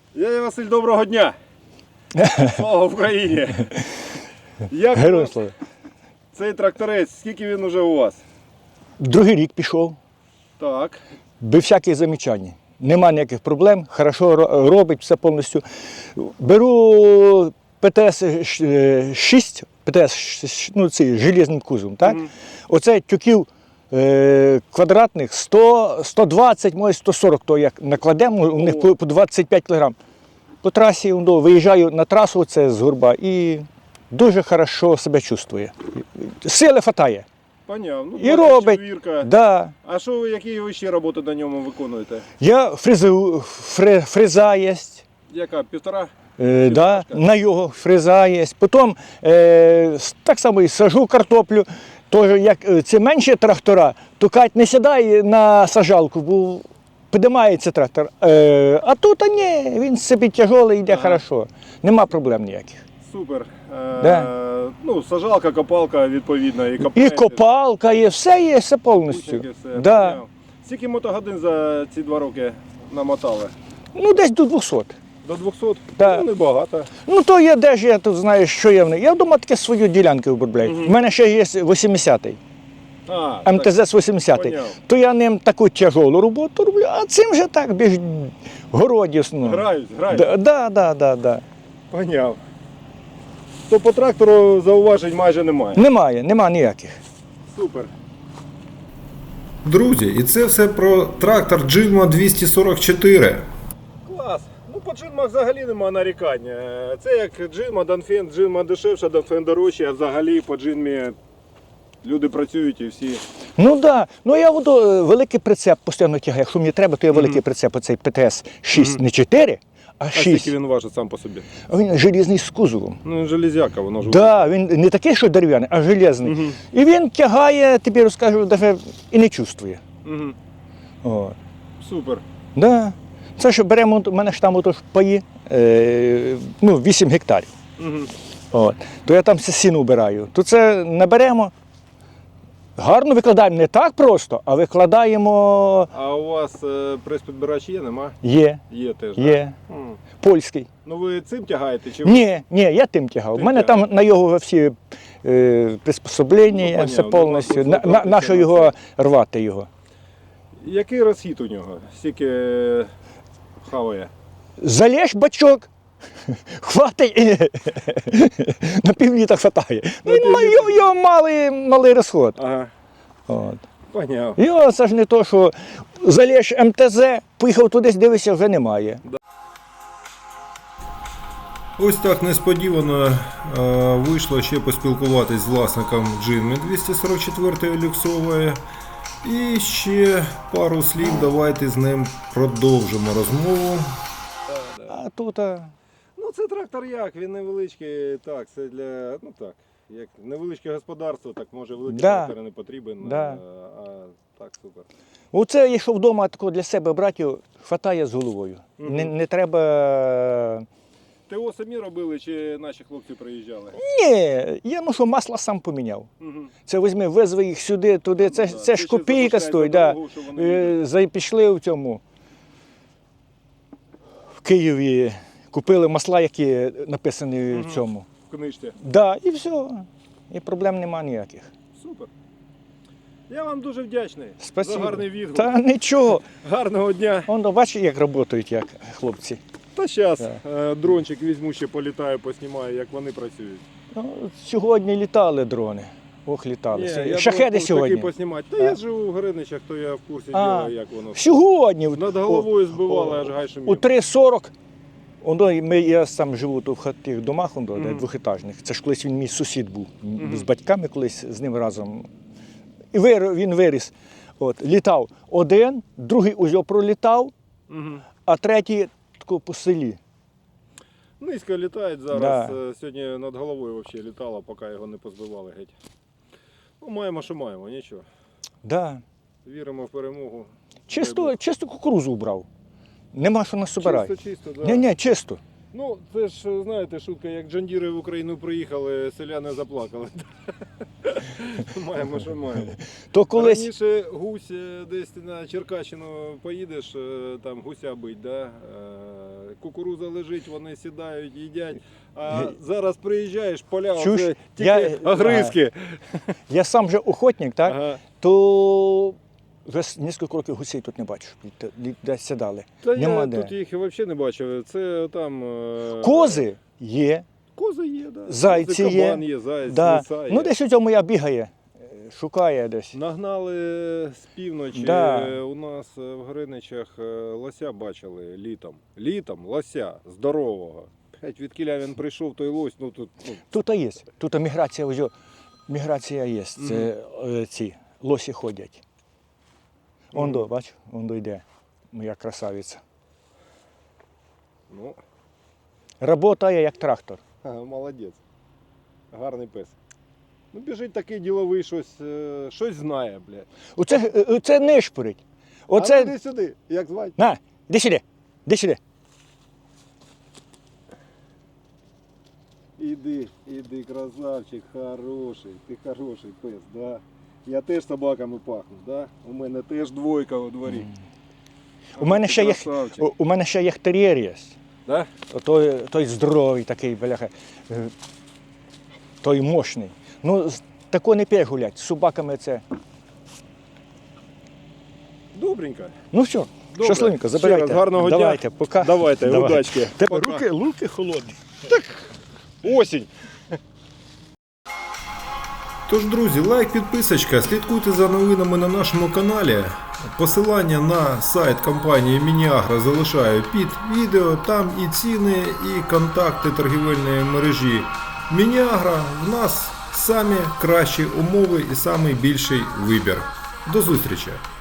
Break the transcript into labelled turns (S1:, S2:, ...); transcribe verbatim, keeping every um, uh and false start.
S1: Дядя Василь, доброго дня! Слава Україні! Як
S2: Героям слава.
S1: цей тракторець, скільки він уже у вас?
S2: Другий рік пішов,
S1: Так.
S2: без всяких замічань. Нема ніяких проблем, хорошо ро- робить все повністю. Беру Пе Те Ес шість, Пе Те Ес, ну цей, з железним кузовом, так?
S1: Мгм.
S2: Оце тюків е, квадратних сто, сто двадцять, може сто сорок, то як накладемо, у них
S1: О.
S2: по, по двадцять п'ять кілограм. По трасі ну, виїжджаю на трасу, це з Горба, і дуже хорошо себе чувствує. Сили хватає.
S1: Поняв. Ну,
S2: І робить.
S1: Вірка.
S2: Да.
S1: А що ви, які ви ще роботи на ньому виконуєте?
S2: Я фрезу, фре, фреза є,
S1: Яка? Півтора?
S2: е, да, на його фреза є. Потім е, с- так само і сажу картоплю. Тож, як е, це менші трактора, то Кать не сідає на сажалку, бо піднімається трактор. Е, а тут а ні, він собі тяжелий, йде
S1: Ага.
S2: хорошо. Нема проблем ніяких.
S1: Супер. Е,
S2: Да.
S1: Ну, сажалка, копалка, відповідно, і
S2: І
S1: копаєте.
S2: копалка є, все є, все повністю.
S1: Кучники, все.
S2: Да.
S1: Поняв. Скільки мотогодин за ці два роки намотали?
S2: Ну, десь до двохсот.
S1: До двохсот?
S2: Да.
S1: Ну, небагато.
S2: Ну то я де ж я тут знаю, що я в них. Я вдома таке свою ділянку обробляю. У мене ще є вісімдесятий,
S1: А,
S2: Ем Те Зет вісімдесятий.
S1: Поняв.
S2: То я ним таку тяжолу роботу роблю, а цим вже так більш городісно.
S1: Грають, грають.
S2: Да, да, да, да, да.
S1: Поняв. То по трактору зауважень майже немає.
S2: Немає, нема ніяких.
S1: Супер.
S3: Друзі, і це все про трактор Джинма двісті сорок чотири.
S1: Клас. Ну по джинмах взагалі нема нарікань. Е, Це як джинма, Донфен, джинма дешевша, Донфен дорожче, а взагалі по джинмі люди працюють і всі.
S2: Ну так, да. Ну я буду е, великий прицеп постійно тягаю. Якщо мені треба, то я великий прицеп, оцей Пе Те Ес шість, не чотири, а
S1: А
S2: шість.
S1: скільки він важить сам по собі?
S2: А він желізний з кузовом.
S1: Ну, железяка, воно ж.
S2: Да, він не такий, що дерев'яний, а железний.
S1: Мгм.
S2: І він тягає, тобі розкажу, навіть і не чувствує.
S1: Угу.
S2: От.
S1: Супер.
S2: Да. Це що беремо, у мене ж там отож паї, е, ну, вісім гектарів.
S1: Угу.
S2: От. То я там все сіно вбираю. То це наберемо, гарно викладаємо, не так просто, а викладаємо,
S1: А у вас е, прес-підбирач є, нема?
S2: є,
S1: Є теж. да?
S2: є,
S1: М.
S2: польський.
S1: Ну ви цим тягаєте чи ви?
S2: Ні, ні, я тим тягав. У
S1: Тим
S2: мене
S1: тягаєш.
S2: там на його всі е, приспособлення,
S1: Ну,
S2: все
S1: понятно,
S2: повністю.
S1: ну,
S2: На, на, на що його рвати його?
S1: Який розхід у нього? Скільки е, хаває?
S2: Залєш бачок, хватить, і на півліта хватає. Ну, він має- його, його малий, малий розход.
S1: Ага.
S2: От.
S1: Поняв.
S2: Його це ж не то, що залєш Ем Те Зе, поїхав туди, дивишся, вже немає.
S3: Ось так несподівано е, вийшло ще поспілкуватись з власником Джинми двісті сорок чотири люксової. І ще пару слів давайте з ним продовжимо розмову.
S2: А тут а,
S1: Ну це трактор як, він невеличкий, так, це для, ну так, як невеличке господарство, так може великий
S2: Да.
S1: трактор не потрібен,
S2: Да.
S1: а, а так супер.
S2: оце, якщо вдома тако для себе брати, хватає з головою.
S1: Мгм.
S2: Не, не треба.
S1: ТО самі робили чи наші хлопці приїжджали?
S2: Ні, я ну що масло сам поміняв.
S1: Угу.
S2: Це візьми, везли їх сюди, туди. Це,
S1: Ну, да.
S2: це
S1: Ти
S2: ж
S1: ще
S2: копійка
S1: залишай
S2: стоїть.
S1: за
S2: Да.
S1: дорогу, щоб вони
S2: Е,
S1: їздили.
S2: за- Пішли в цьому. В Києві купили масла, які написані
S1: Мгм.
S2: в цьому.
S1: В книжці.
S2: Да, і все. І проблем нема ніяких.
S1: Супер. Я вам дуже вдячний
S2: Спасибо.
S1: за гарний відгук.
S2: Та нічого.
S1: Гарного дня.
S2: Он, бачиш, як працюють, як хлопці.
S1: Та зараз
S2: Да.
S1: дрончик візьму, ще політаю, поснімаю, як вони працюють.
S2: Ну, сьогодні літали дрони. Ох, літали.
S1: Ні, я
S2: Шахеди
S1: думав,
S2: сьогодні.
S1: Такий поснімати. Та
S2: А.
S1: я живу в Гриничах, то я в курсі
S2: А.
S1: діла, як воно.
S2: Сьогодні.
S1: Над головою
S2: О,
S1: збивали,
S2: о,
S1: аж гай
S2: У
S1: шумів.
S2: три сорок. Оно, ми, я сам живу тут в тих домах, оно, де
S1: Мгм.
S2: двохетажних. Це ж колись він мій сусід був.
S1: Мгм.
S2: З батьками колись з ним разом. І вир, він виріс. От, літав один, другий узьо пролітав,
S1: Мгм.
S2: а третій тако по селі.
S1: Низько літають зараз.
S2: Да.
S1: Е, Сьогодні над головою взагалі літало, поки його не позбивали геть. Ну, маємо, що маємо, нічого.
S2: Да.
S1: Віримо в перемогу.
S2: Чисто, чисто кукурузу брав. Нема що нас собирати.
S1: Чисто, чисто, да.
S2: Ні, ні, чисто.
S1: Ну, це ж, знаєте, шутка, як джандіри в Україну приїхали, селяни заплакали. Маємо, що маємо.
S2: То колись.
S1: Раніше гусь е, десь на Черкащину поїдеш, е, там гуся бить, да? е, Кукуруза лежить, вони сідають, їдять. А зараз приїжджаєш, поля,
S2: Чуш,
S1: вже тільки
S2: я-
S1: огризки.
S2: Я сам же охотник, так?
S1: Ага.
S2: То вже с- кілька років гусей тут не бачу, де- десь сідали.
S1: Та
S2: Нема
S1: я
S2: де.
S1: тут їх взагалі не бачив. Це там... е,
S2: Кози є,
S1: Кози є, да.
S2: Зайці
S1: Кози,
S2: є.
S1: кабан є, заяць,
S2: да.
S1: лиса є.
S2: Ну десь у цьому я бігає, е, шукає десь.
S1: Нагнали з півночі,
S2: Да.
S1: е, у нас е, в Гриничах е, лося бачили літом. Літом лося здорового. Геть відкіля він прийшов, той лось, ну тут ну,
S2: Тут є, тут міграція, ось, о, міграція є, це е, ці лосі ходять. Он до, бач, он до йде, моя красавиця.
S1: ну
S2: Работає як трактор.
S1: ага, молодець. Гарний пес. Ну біжить такий діловий, щось, е, щось знає, блядь.
S2: Оце, е, оце нишпорить.
S1: А
S2: Оце,
S1: ну, іди сюди, як звати?
S2: на, іди сюди, іди сюди.
S1: Іди, іди, красавчик, хороший, ти хороший пес, да? Я теж собаками пахну, да? У мене теж двойка у дворі.
S2: У мене
S1: Ти
S2: ще є,
S1: красавчик.
S2: у, у мене ще є тер'єр є.
S1: Да?
S2: Той, той здоровий такий, бляха, е, той мощний. Ну, з- тако не п'є гулять, з собаками це.
S1: Добренько.
S2: Ну все,
S1: Добре.
S2: щасливенько,
S1: Ще
S2: забирайте.
S1: раз гарного дня.
S2: Давайте, пока.
S1: Давайте,
S2: Давай.
S1: удачки.
S2: Тебе
S1: Пока.
S2: руки, руки холодні.
S1: Осінь.
S3: Тож, друзі, лайк, підписочка, слідкуйте за новинами на нашому каналі. Посилання на сайт компанії Міні-Агро залишаю під відео. Там і ціни, і контакти торгівельної мережі Міні-Агро. В нас самі кращі умови і самий більший вибір. До зустрічі!